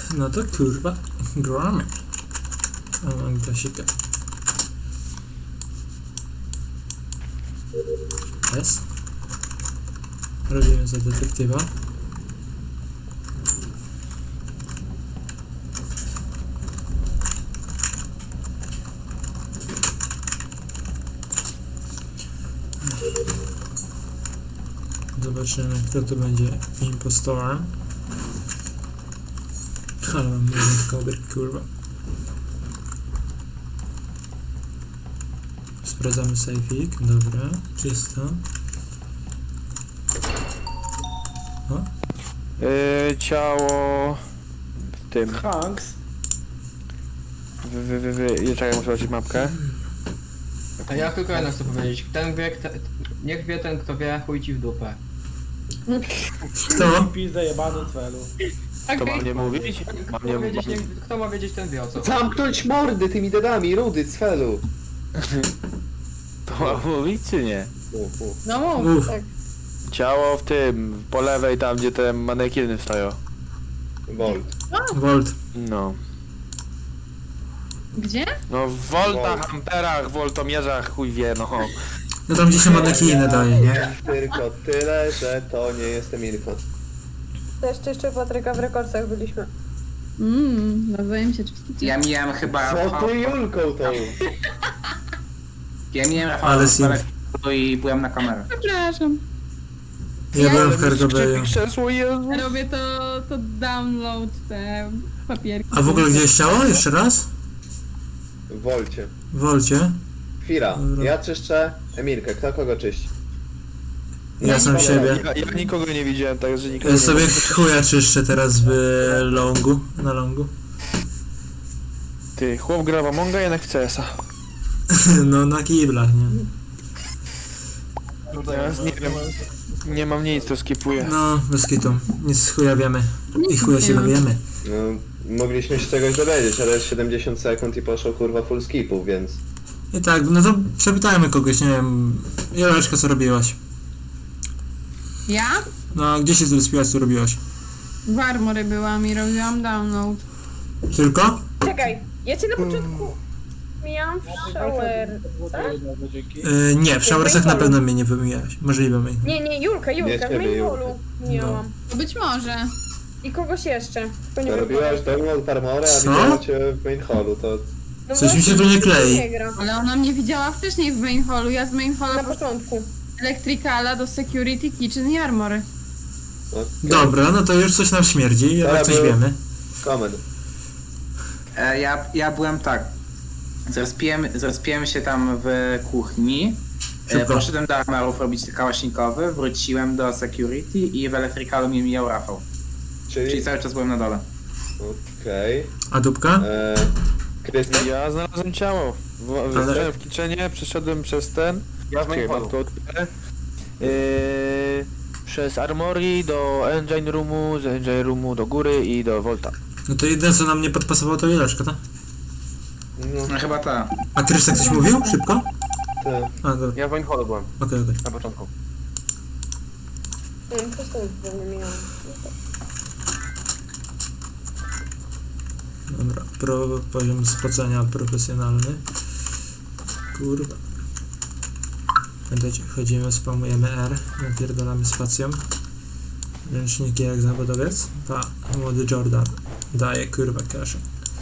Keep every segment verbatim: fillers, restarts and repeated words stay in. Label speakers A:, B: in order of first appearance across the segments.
A: No to kurwa, gramy. A mam klasika. Jest. Robimy za detektywa. Zobaczymy, kto tu będzie impostorem. Ale mam jeden koder, kurwa. Sprawdzamy safeik, dobra, czysto. O?
B: Yy, ciało... w tym...
C: Hanks.
B: Wy, wy, wy, wy. Czekaj, muszę zobaczyć mapkę.
C: A ja tylko jedno chcę powiedzieć. Ten wie, kto, niech wie ten, kto wie, chuj ci w dupę.
A: Kto?
D: Pizdę jebany celu.
B: To mam nie mówić? Mam
C: Kto
B: nie
C: ma wiedzieć,
B: mówić.
C: niech, kto ma wiedzieć, ten wie o co.
E: Zamknąć mordy tymi dedami, rudy, cfelu.
B: To mam mówić czy nie?
E: U, u.
F: No mów,
A: Mów.
F: tak.
B: Ciało w tym, po lewej tam gdzie te manekiny stoją.
E: Volt.
A: Volt.
B: No.
F: Gdzie?
B: No w voltach,
E: Volt.
B: amperach, woltomierzach, chuj wie, no.
A: No tam gdzie się manekiny daje, nie?
E: Tylko tyle, że to nie jestem info.
F: Też jeszcze Patryka w rekorsach byliśmy. Mmm, nawzajem się czysticie.
G: Ja miałem chyba...
E: Co ty Julką tą?
G: Ja miałem
A: Ale
G: Ale
A: sim.
G: i byłem na kamerę.
F: Przepraszam.
A: Ja byłem w Cargo Bayu.
B: Krzesło, Jezu.
F: Robię to, to download te papierki.
A: A w ogóle gdzie jest ciało? Jeszcze raz?
E: W Wolcie.
A: W Wolcie.
E: Chwila,
A: Dobra.
E: ja czyszczę Emilkę, kto kogo czyści?
A: Ja sam siebie.
B: Ja, ja nikogo nie widziałem, także nikogo
A: Ja
B: nie
A: sobie
B: widziałem.
A: chuja czyszczę teraz w longu, na longu.
B: Ty, chłop gra w Amonga, jednak w C S a.
A: No na kiblach, nie?
B: Teraz nie wiem, nie mam nic, to skipuję.
A: No, bez kitu. Nic chuja wiemy. I chuja się dowiemy.
E: No, mogliśmy się czegoś dowiedzieć, ale jest siedemdziesiąt sekund i poszło kurwa full skipów, więc...
A: I tak, no to przepytajmy kogoś, nie wiem. Joleczka, co robiłaś?
F: Ja?
A: No, gdzie się zrespiłaś, co robiłaś?
F: W Armory byłam i robiłam download.
A: Tylko?
F: Czekaj, ja cię na początku mijałam w shower.
A: Yy, nie, w showersach na pewno mnie nie wymijałaś. Możliwe mnie.
F: Nie, nie, Julka,
E: Nie
F: Julka, w
E: ciebie,
F: mainhallu mijałam.
H: Być może.
F: I kogoś jeszcze. Tylko nie
E: To
F: wiem,
E: robiłaś download Armora, a
A: Co?
E: widziałem cię w main hallu, to...
F: no
A: Coś mi
F: właśnie,
A: się tu nie klei.
F: Nie gra.
H: Ale ona mnie widziała wcześniej w main hallu. Ja z main
F: Na
H: hallu
F: początku.
H: Electricala do security, kitchen i armory.
E: Okay.
A: Dobra, no to już coś nam śmierdzi,
E: Dobra,
A: jak coś
E: był-
A: wiemy.
E: Comment.
G: E, ja, ja byłem tak. Zrespiłem, zrespiłem się tam w kuchni. E,
A: Szybko.
G: poszedłem do armerów robić kałasznikowy, wróciłem do security i w elektrykalu mnie mijał Rafał. Czyli
E: Czyli...
G: cały czas byłem na dole.
E: Okej...
A: A dupka?
E: Eee... Krystian?
B: Ja znalazłem ciało. W,
A: Ale-
B: w, w kitchenie, przeszedłem przez ten...
C: Ja z main
B: Czekaj, mam to otwierę. Yy, przez Armory do Engine Roomu, z Engine Roomu do góry i do Volta.
A: No to jedyne co nam nie podpasowało to Joleczka, tak?
E: No,
G: No chyba ta.
A: A Krystek coś mówił? Szybko?
E: ty.
A: A, dobra,
C: Ja w main hallu byłem,
A: okej, okej.
C: na początku.
F: Nie wiem, po prostu nie mijałam.
A: Dobra, pro, poziom spocenia profesjonalny. Kurwa. Pamiętajcie, wchodzimy, spamujemy R, napierdolamy spacją. Ręczniki jak zawodowiec. Pa, młody Jordan. Daje kurwa kaszę.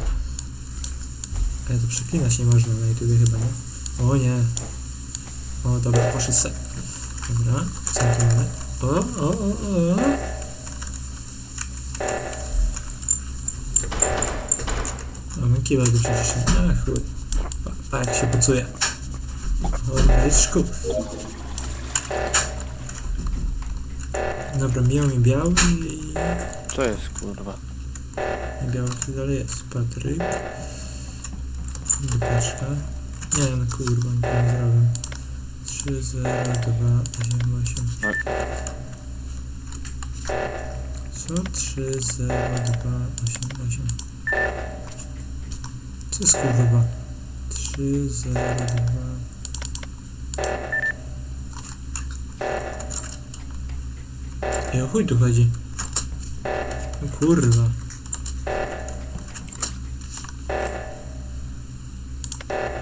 A: Ale to przeklinać nie można na YouTubie chyba, nie? O nie. O dobra, poszedł se. Dobra, co tu mamy? O, o, o, o. Mamy kiwa do przecież. Ach, chuj. Pa, pa jak się pocuje. O, myczku. Dobra, miał mi biały i...
B: Co jest, kurwa?
A: i biały tu dalej jest. Patryk. Dupeczka. Nie no kurwa, nic nie zrobię. trzy, zero, dwa, osiem, osiem. Co? trzy, zero, dwa, osiem, osiem. Co jest kurwa? trzy, zero, dwa... I o chuj tu chodzi? No kurwa.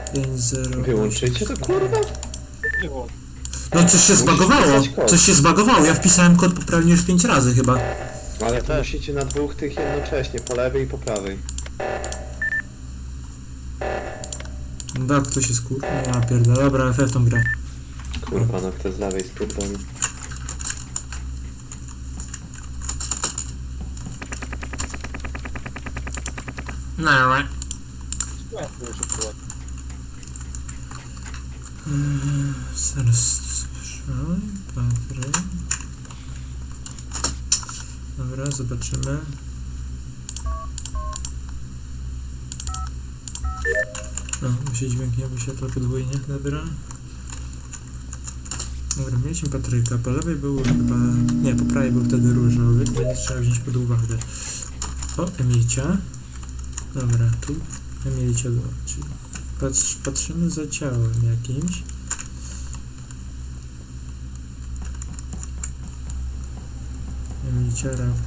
A: pięć zero.
E: Wyłączycie to kurwa?
A: No coś się
E: Musisz
A: zbagowało.
E: wpisać kod.
A: Coś się zbagowało. Ja wpisałem kod poprawnie już pięć razy chyba.
E: Ale to
B: też.
E: musicie na dwóch tych jednocześnie, po lewej i po prawej.
A: Da, ktoś jest kur... Ja pierdolę. Dobra, F F tą grę.
E: Kurwa, no kto z lewej spierdoli.
A: No, right. Zaraz... Oj, Patryk. Dobra, zobaczymy. No, musi dźwięk nie wyświetla podwójnie, dobra. Dobra, mieliśmy Patryka, po lewej był chyba... Nie, po prawej był wtedy różowy, będzie trzeba wziąć pod uwagę. O, Emilcia. Dobra, tu Emilcia była, czyli patrz, patrzymy za ciałem jakimś. Emilcia, Raf.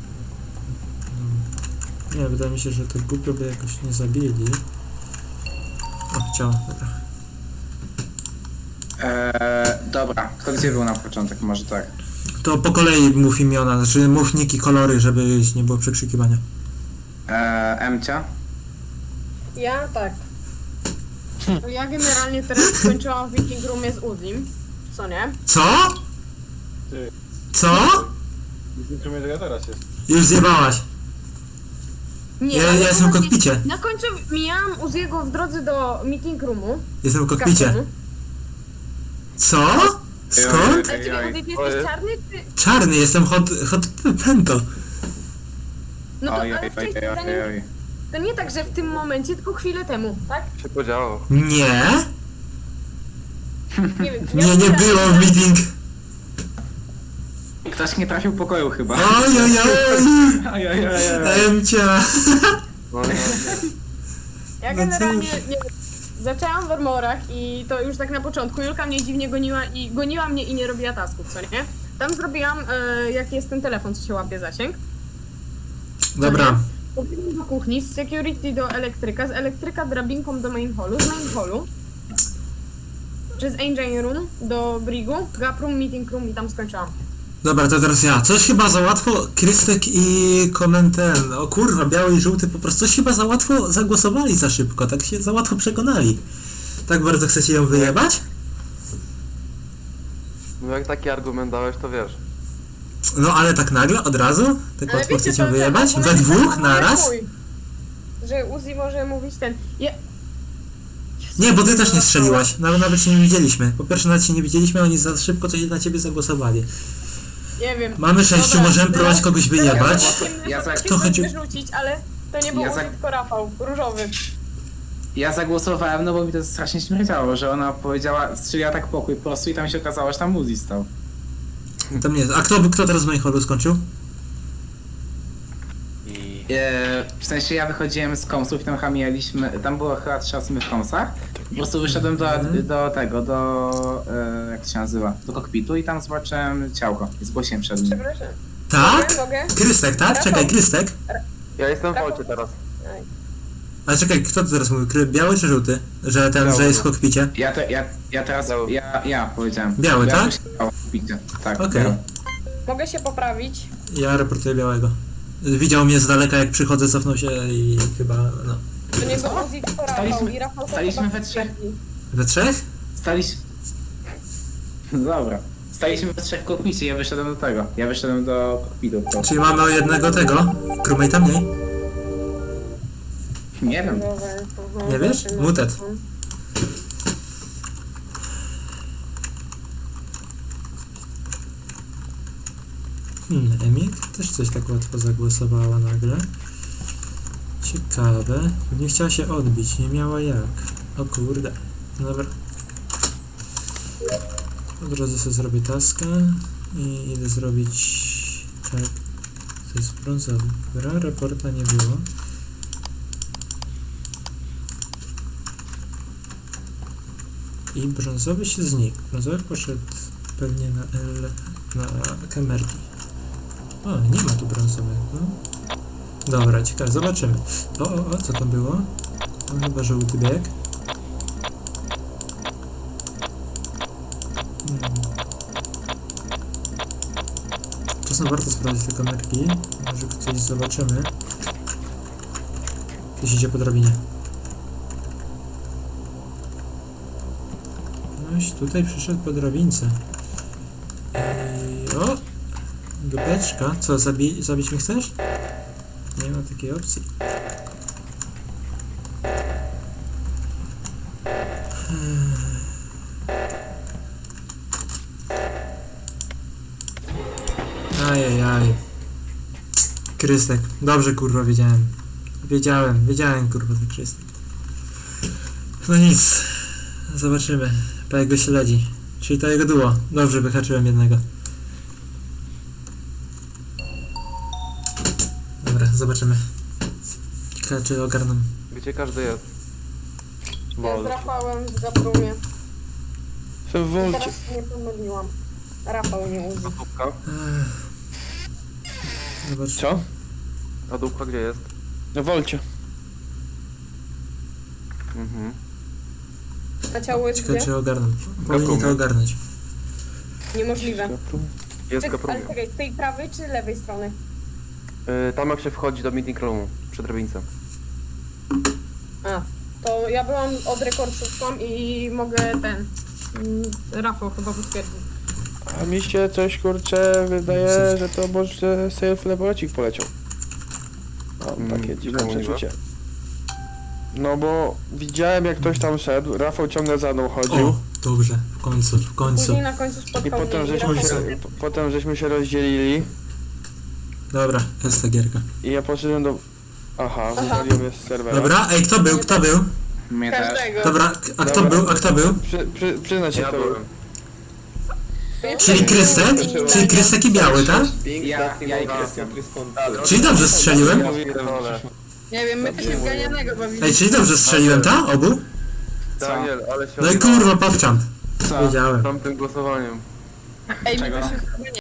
A: No. Nie, wydaje mi się, że to głupio by jakoś nie zabili. O, ciało, dobra.
G: Eee, dobra, kto gdzie był na początek? Może tak.
A: To po kolei mów imiona, znaczy mów niki, kolory, żeby nie było przekrzykiwania.
G: Eee, Emcia?
F: Ja tak.
H: Ja generalnie teraz skończyłam w meeting roomie z Uzim. Co nie?
A: Co?
D: Ty.
A: Co?
D: Mikro ja teraz jest.
A: Już zjebałaś.
H: Nie,
A: Ja, ja
H: ale
A: jestem w
H: poważnie,
A: kokpicie.
H: Na końcu mijałam Uziego w drodze do meeting roomu.
A: Jestem w
H: z
A: kokpicie.
H: kartonu.
A: Co? Skąd?
H: Ale ty, Uzi, ty
D: Oj.
H: jesteś czarny, czy...
A: Czarny, jestem hot, hot pento.
H: No to
G: Oj,
H: ale
G: oj, oj,
H: wcześniej,
G: oj,
H: zanim...
G: oj.
H: To nie tak, że w tym momencie, tylko chwilę temu, tak?
D: Się podziało.
A: Nie?
H: Nie wiem.
A: Nie, nie było w meeting.
G: Ktoś nie trafił pokoju chyba.
A: Oj, oj, oj.
G: Oj, oj, oj, oj.
A: Emcia.
D: No, no, nie.
H: Ja
A: No
H: generalnie
A: cóż.
H: nie, zaczęłam w armorach i to już tak na początku. Julka mnie dziwnie goniła i goniła mnie i nie robiła tasków, co nie? Tam zrobiłam, e, jaki jest ten telefon, co się łapie zasięg.
A: Dobra.
H: Pobiegłam do kuchni, z security do elektryka, z elektryka drabinką do main hallu, z main hallu przez engine room do brigu, gap room, meeting room i tam skończyłam.
A: Dobra, to teraz ja. Coś chyba za łatwo, Krystek i Komenten. O kurwa, biały i żółty po prostu coś chyba za łatwo zagłosowali za szybko, tak się za łatwo przekonali. Tak bardzo chcecie ją wyjebać?
D: No jak taki argument dałeś, to wiesz.
A: No ale tak nagle, od razu? Tak łatwo
H: wiecie,
A: chcecie ją
H: to-
A: wyjebać?
H: ten
A: We
H: argument
A: dwóch,
H: jest taki
A: naraz?
H: mój, że Uzi może mówić ten... Ja...
A: Nie, bo ty też nie strzeliłaś. Nawet, nawet się nie widzieliśmy. Po pierwsze nawet się nie widzieliśmy, oni za szybko coś na ciebie zagłosowali.
H: Nie wiem.
A: Mamy sześciu,
H: Dobra,
A: możemy
H: teraz-
A: próbować kogoś wyjebać.
H: Teraz
G: Ja za-
H: ja
A: to chodzi-
H: wyrzucić, ale to nie był
G: Ja
H: Uzi,
G: za-
H: tylko Rafał, różowy.
G: Ja zagłosowałem, no bo mi to strasznie śmierdziało, że ona powiedziała, strzeliła tak pokój po prostu i tam się okazało, że tam Uzi stał.
A: Tam nie. A kto, kto teraz w moim holu skończył?
D: I...
G: Eee, w sensie ja wychodziłem z komsów i tam chamialiśmy, tam było chyba trzy osoby w komsach. Po prostu wyszedłem do, do tego, do, e, jak to się nazywa, do kokpitu i tam zobaczyłem ciałko i zgłosiłem przed nim.
H: Przepraszam.
A: Tak?
H: Mogę, mogę?
A: Krystek, tak? Czekaj, Krystek.
D: Ja jestem w Wolcie teraz.
H: Aj.
A: Ale czekaj, kto tu teraz mówił? Kry- Biały czy żółty? Że ten,
D: Biały.
A: że jest w kokpicie?
G: Ja, te, ja, ja teraz,
D: Biały.
G: ja, ja powiedziałem.
A: Biały,
G: ja
A: tak?
G: myślałem o kokpicie. Tak,
A: Okej.
G: biały.
H: Mogę się poprawić.
A: Ja reportuję białego. Widział mnie z daleka jak przychodzę, cofnął się i chyba, no.
H: To nie był Uzi, tylko Rafał.
G: Staliśmy-
H: I Rafał to
G: staliśmy
H: chyba
G: we trzech.
H: stwierdzi.
A: We trzech?
G: Staliśmy... Dobra. Staliśmy we trzech w kokpicie, ja wyszedłem do tego. Ja wyszedłem do kokpitu. po prostu.
A: Czyli mamy o jednego tego? Crewmate'a mniej?
G: Nie wiem.
H: Dobra, aha,
A: Nie wiesz?
H: zobaczymy.
A: Mutet. Hmm, Emil też coś tak łatwo zagłosowała nagle. Ciekawe. Nie chciała się odbić, nie miała jak. O kurde. Dobra. Od razu sobie zrobię taskę i idę zrobić... Tak. To jest brązowy. Dobra, raporta nie było. I brązowy się znikł. Brązowy poszedł pewnie na L, na kamerki. O, nie ma tu brązowego. Dobra, ciekawe, zobaczymy. O, o, o, co to było? To chyba żółty bieg. czasem warto sprawdzić te kamerki. Może coś zobaczymy. Ktoś idzie po drabinie. Ktoś tutaj przyszedł po drabince. I... O! Dupeczka. Co, zabi zabić mnie chcesz? Nie ma takiej opcji. Ajajaj. Krystek. Dobrze kurwa wiedziałem. Wiedziałem, wiedziałem kurwa ten Krystek. No nic. Zobaczymy. Po jak go śledzi. Czyli to jego duo. Dobrze wyhaczyłem jednego. Dobra, zobaczymy. Ciekawe czy ogarną.
D: Gdzie każdy jest?
H: Ja z
D: Wol.
H: Rafałem w Gaprumie.
B: Jestem w
H: I
B: wolcie.
H: teraz nie pomyliłam. Rafał nie Uzi.
D: A dupka?
A: Ech. Zobacz.
B: Co?
D: A dupka gdzie jest?
B: W wolcie.
D: Mhm.
H: A ciało jest
A: Ciekawe
H: gdzie?
A: czy ogarną. Powinni to
D: Gaprumie.
A: ogarnąć.
H: Niemożliwe.
D: Jest
H: Czek-
D: kaprumie.
H: ale czekaj, z tej prawej czy lewej strony?
D: Yy, tam jak się wchodzi do meeting roomu, przy drabince.
H: A, to ja byłam od rekordsówką i mogę ten... mm, Rafał chyba potwierdzi.
B: A mi się coś kurczę wydaje, że to może self laboracik poleciał. Mam
D: Mm,
B: takie dziwne
D: czemu niby?
B: przeczucie. No bo widziałem jak ktoś tam szedł, Rafał ciągle za mną chodził
A: O, dobrze. W końcu, w końcu.
H: Później na końcu
B: i
H: spotkał
B: potem
H: mnie i
B: żeśmy,
H: Rafał
B: się,
H: sobie-
B: po- potem żeśmy się rozdzielili
A: Dobra, jest ta gierka.
B: i ja poszedłem do... Aha,
H: Aha.
B: wywaliłem je z serwera.
A: Dobra, ej, kto był? Kto był?
G: Mnie też.
H: Każdego.
A: Dobra, a kto
B: Dobra.
A: był? A kto był?
B: Przy, przy, przyznać się
D: Ja
B: to.
D: byłem.
A: Czyli Krystek? Czyli Krystek i Biały, tak?
E: Ping,
G: Ja-
E: ja,
G: ja i
E: ja,
G: Krystian.
A: Czyli dobrze strzeliłem?
H: Nie wiem, my też się zganianego bawiliśmy.
A: Ej, czyli dobrze strzeliłem, tak? Obu?
D: Daniel, ale się
A: No i
D: odjebałeś
A: kurwa, popczam.
G: Co?
A: Wiedziałem.
D: tamtym głosowaniem.
H: Ej, my
G: Czego?
H: też się